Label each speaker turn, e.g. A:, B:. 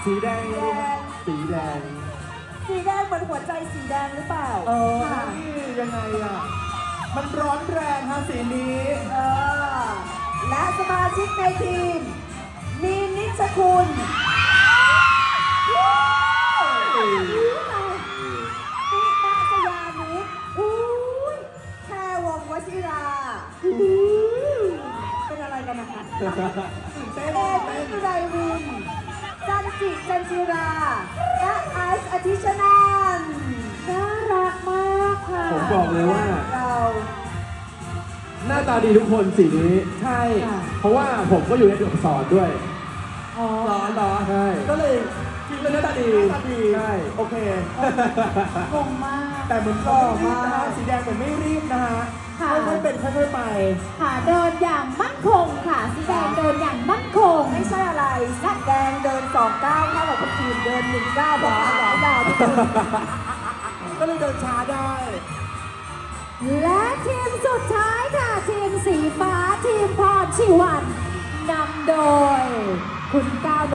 A: สีแดง
B: สีแดง
A: สีแดงเหมือนหัวใจสีแดงหรือเปล่า
B: ค่ะยังไงอ่ะ มันร้อนแรงฮะสีนี้
A: และสมาชิกในทีม มีนิชคุณติมาสยานิดแค่วงวชิราเป็นอะไรกันนะคะเอมิสุไรวิน จันจิจันจิราและไอซ์อธิชนันท์น่ารักมากค่ะ
B: ผมบอกเลยว่า
A: เรา
B: หน้าตาดีทุกคนสีนี้ ใช่ เพราะว่าผมก็อยู่ในตัวอักษรด้วย
A: อ๋อ
B: เหรอใช่
A: ก็เลย
B: จริงเป็นหน้าตาดี ใช่ โอเค
A: งงมาก
B: แต่เหมือนเขาไม่รีบนะฮะสีแดงเหมือนไม่รีบนะฮะ
C: ค่ะ
B: ค่อยๆเป็นค่อยๆไป
C: ค่ะเดินอย่างมั่นคงค่ะสีแดงเดินอย่างมั่นคง
A: ไม่ใช่อะไรสีแดงเดิน2 ก้าวเท่ากับคนอื่นเดิน1 ก้าวเพราะขาเขายาวนิดนึง
B: ก็เลยเดินช้าได้
C: และทีมสุดท้ายค่ะ ทีมสีฟ้าทีมพรชีวันนำโดยคุณก้าว